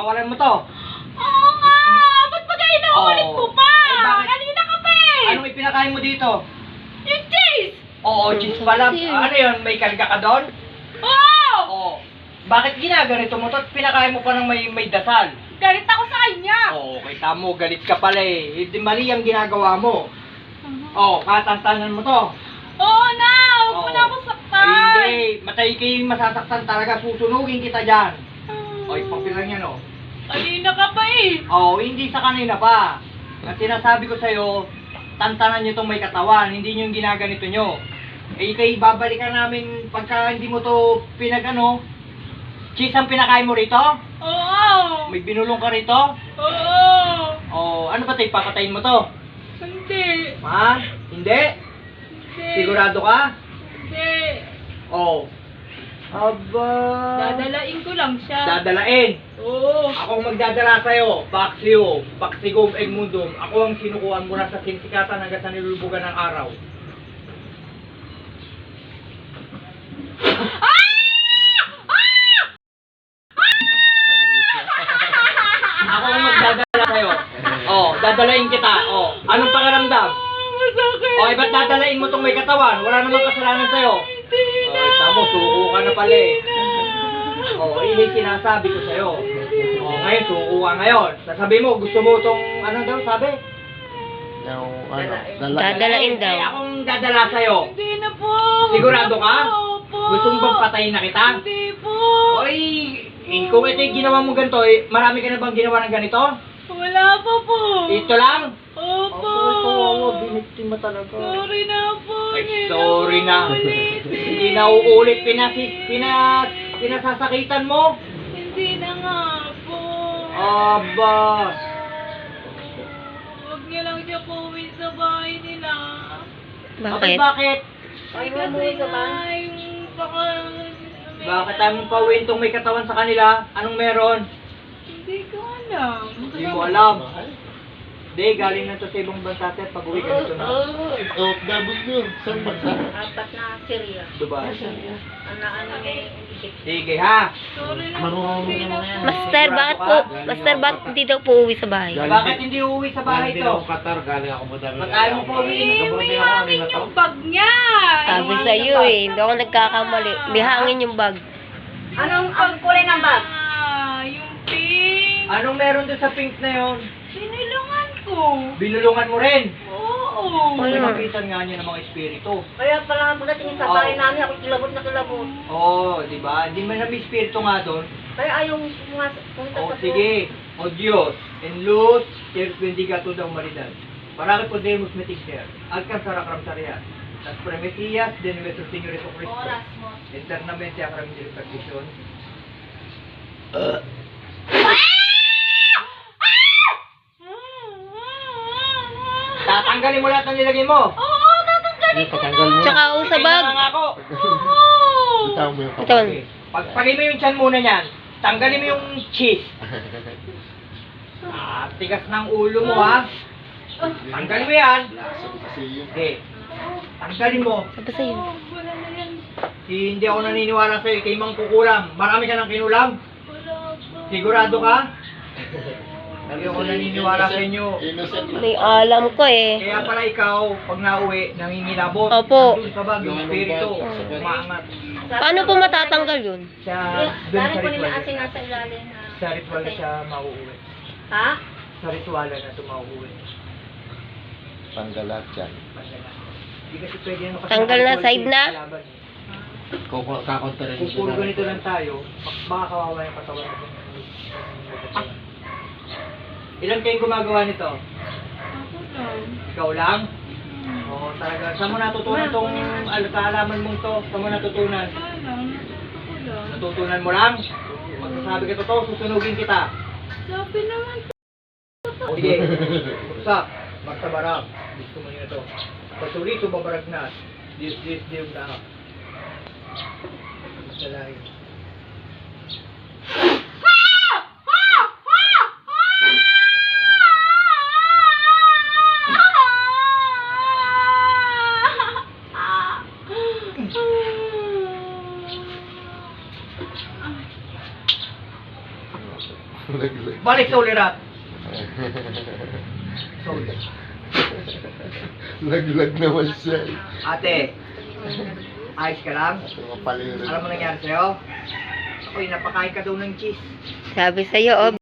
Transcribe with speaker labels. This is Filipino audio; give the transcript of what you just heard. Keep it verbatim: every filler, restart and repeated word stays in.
Speaker 1: pakawalan mo to.
Speaker 2: Oo nga! Ba't ba kayo nauulit
Speaker 1: Oo.
Speaker 2: ko pa?
Speaker 1: Eh, bakit?
Speaker 2: Kanina ka pa eh!
Speaker 1: Anong ipinakain mo dito?
Speaker 2: Yung cheese!
Speaker 1: Oo, cheese pala. Ano yun? May karga ka doon?
Speaker 2: Oo!
Speaker 1: Oo. Bakit ginaganito mo to? Pinakain mo pa ng may, may dasal.
Speaker 2: Galit ako sa kanya!
Speaker 1: Oo, kita mo, galit ka pala eh. Hindi mali ang ginagawa mo. Oo, katantanan mo to.
Speaker 2: Oo na! Huwag mo
Speaker 1: Oo.
Speaker 2: na ako saktan!
Speaker 1: Ay, hindi. Matay kayo masasaktan talaga. Susunugin kita dyan. O, ipapilang yan o.
Speaker 2: Kanina ka pa eh!
Speaker 1: Oo, hindi sa kanina pa. At sinasabi ko sa'yo, tantanan nyo itong may katawan. Hindi nyo yung ginaganito nyo. Eh, kay babalikan namin pagka hindi mo to pinag-ano. Cheese ang pinakain mo rito?
Speaker 2: Oo!
Speaker 1: May binulong ka rito?
Speaker 2: Oo!
Speaker 1: O, ano ba tayo? Papatayin mo to?
Speaker 2: Hindi!
Speaker 1: Ha? Hindi?
Speaker 2: Hindi!
Speaker 1: Sigurado ka?
Speaker 2: Hindi!
Speaker 1: Oo. Aba.
Speaker 2: Dadalain ko lang siya.
Speaker 1: Dadalain.
Speaker 2: Oo!
Speaker 1: Ako ang magdadala sa'yo. Paksiyo. Paksigom Egmundum. Ako ang sinukuhan mo na sa sinsikatan hanggang sa nilulubugan ng araw.
Speaker 2: Ah!
Speaker 1: Ako ang magdadala sa'yo. Oh, dadalain kita. Oh, anong pakiramdam?
Speaker 2: Masakit!
Speaker 1: Oh, eh, ba't dadalain mo tong may katawan? Wala namang kasalanan sa'yo.
Speaker 2: Hindi na!
Speaker 1: Oh, tamo, suko ka na pala eh. Oh, ini sinasabi ko sa'yo. Oh, ngayon, suko ka ngayon. Sasabi mo, gusto mo tong, ano daw, sabi?
Speaker 3: Yung ano,
Speaker 4: Dadalain daw.
Speaker 1: Eh, akong dadala sa'yo.
Speaker 2: Hindi na po!
Speaker 1: Sigurado ka?
Speaker 2: Opo!
Speaker 1: Gusto mo bang patayin na kita?
Speaker 2: Hindi po!
Speaker 1: Oy, eh, kung ito yung ginawa mo ganito, eh, marami ka na bang ginawa ng ganito?
Speaker 2: Wala pa po!
Speaker 1: Ito lang?
Speaker 2: Opo!
Speaker 1: biniktima talaga.
Speaker 2: Sorry na po!
Speaker 1: Ay,
Speaker 2: Hindi
Speaker 1: sorry na.
Speaker 2: uulit.
Speaker 1: Hindi na uulit, pinasis, pinas, pinasasakitan mo.
Speaker 2: Hindi na nga po!
Speaker 1: Aba.
Speaker 2: Huwag niya lang siya pauwi sa bahay nila.
Speaker 1: Bakit?
Speaker 4: Bakit?
Speaker 1: Bakit?
Speaker 2: Ay, kasi nga yung baka...
Speaker 1: Bakit tayo mong pauwiin tong may katawan sa kanila? Anong meron?
Speaker 2: Hindi ko alam.
Speaker 1: Hindi mo alam. Hindi, galing na to sa ibang bansa sir. Pag uwi ka nito na.
Speaker 3: oh, oh, dabog nyo. Saan ba?
Speaker 5: Apat na Syria.
Speaker 1: Dubai.
Speaker 5: Ano, ano niya yung ibig.
Speaker 1: Sige ha.
Speaker 2: Sorry na po.
Speaker 3: Marunong
Speaker 2: Hindi na
Speaker 3: naman yan.
Speaker 2: po.
Speaker 4: Master, bakit po, Master, bakit hindi daw po uwi sa bahay?
Speaker 1: Bakit hindi uuwi sa bahay
Speaker 3: Galing din
Speaker 1: to?
Speaker 3: ako Qatar, galing ako madami.
Speaker 1: Ba't ayaw mo pa uwi?
Speaker 2: Eh, may hangin yung bag niya.
Speaker 4: Sabi sa iyo eh, hindi ako nagkakamali. May hangin yung bag.
Speaker 5: Anong ang kulay ng bag?
Speaker 2: Ah, yung pink.
Speaker 1: Anong meron doon sa pink na yon?
Speaker 2: Sinilungan ko.
Speaker 1: Binulungan mo rin.
Speaker 2: Oo.
Speaker 1: May
Speaker 4: Ano?
Speaker 1: makitan nga niya ng mga espiritu.
Speaker 5: Kaya pala pagdating sa bahay namin, ako kilabot na kilabot.
Speaker 1: Oo, oh, di ba? Hindi man na may espiritu nga doon.
Speaker 5: Kaya ayaw pumas- pumunta
Speaker 1: O
Speaker 5: sa
Speaker 1: sige, o Diyos, en luz, Teres bendiga toda humanidad. Para que podemos meter, alcanzar a Ramsarias, las promesías de nuestro Señor Jesucristo,
Speaker 5: Oras mo.
Speaker 1: eternamente a Ramsarias de perdición. Tatanggalin mo lahat ng nilagay mo.
Speaker 2: Oo, tatanggalin ko
Speaker 3: Patanggal mo.
Speaker 4: Tsaka ako sa bag.
Speaker 1: Kailangan ako.
Speaker 2: Oo.
Speaker 3: Bitaw mo yung
Speaker 4: Ito.
Speaker 3: kapatid.
Speaker 1: Okay. Pagpagin mo yung tiyan muna niyan. Tanggalin mo yung cheese. Ah, tigas ng ulo mo ha. Tanggalin mo yan.
Speaker 3: Lasang kasi yun.
Speaker 1: Okay. Tanggalin mo.
Speaker 4: Sabi sa iyo.
Speaker 2: Oh, wala na yan.
Speaker 1: Hindi ako naniniwala sa'yo. Kay Mang Kukulam. Marami ka ng kinulam.
Speaker 2: Wala pa.
Speaker 1: Sigurado ka? Hindi ako naniniwala sa inyo.
Speaker 3: Innocent lang.
Speaker 4: May alam ko eh.
Speaker 1: Kaya pala ikaw, pag nauwi, nangingilabot.
Speaker 4: Opo.
Speaker 1: Nandun sa bag, yung espiritu. Umaangat.
Speaker 4: Paano po matatanggal yun?
Speaker 1: Sa,
Speaker 5: Yeah,
Speaker 1: dun
Speaker 5: dahil
Speaker 1: sa
Speaker 5: ko nila
Speaker 1: ritual.
Speaker 5: asin nasa ilalim na.
Speaker 1: Sa ritual na siya mauuwi.
Speaker 5: Ha?
Speaker 1: Sa ritual na ito mauuwi.
Speaker 3: Tanggal lahat yan.
Speaker 1: Hindi kasi pwede ano kasi
Speaker 4: Tanggal na,
Speaker 1: ritual
Speaker 4: side na?
Speaker 1: kalaban.
Speaker 3: Kuku- Kakontra rin
Speaker 1: Kung puro ganito lang tayo, baka kawawa yung katawan natin. Ilan kayong gumagawa nito?
Speaker 2: Ako lang.
Speaker 1: Ikaw lang? Oo, talaga. Saan mo natutunan tong al- kaalaman mong to? Saan mo natutunan?
Speaker 2: Wala lang. Ako lang.
Speaker 1: Natutunan mo lang? Magsasabi ka totoo, susunugin kita.
Speaker 2: Sabi naman
Speaker 1: O sige, usap, magtabarang. Gusto mo nyo ito. Pasurito, babaragnas. Diyos, Diyos, Diyos na. Masalahin.
Speaker 3: Laglag.
Speaker 1: Balik sa ulirat. Sorry.
Speaker 3: Laglag naman siya.
Speaker 1: Ate, ayos ka lang?
Speaker 3: Ito mga paliro.
Speaker 1: Alam mo nangyari sa'yo? Ako'y napakain ka daw ng cheese.
Speaker 4: Sabi sa'yo, oh,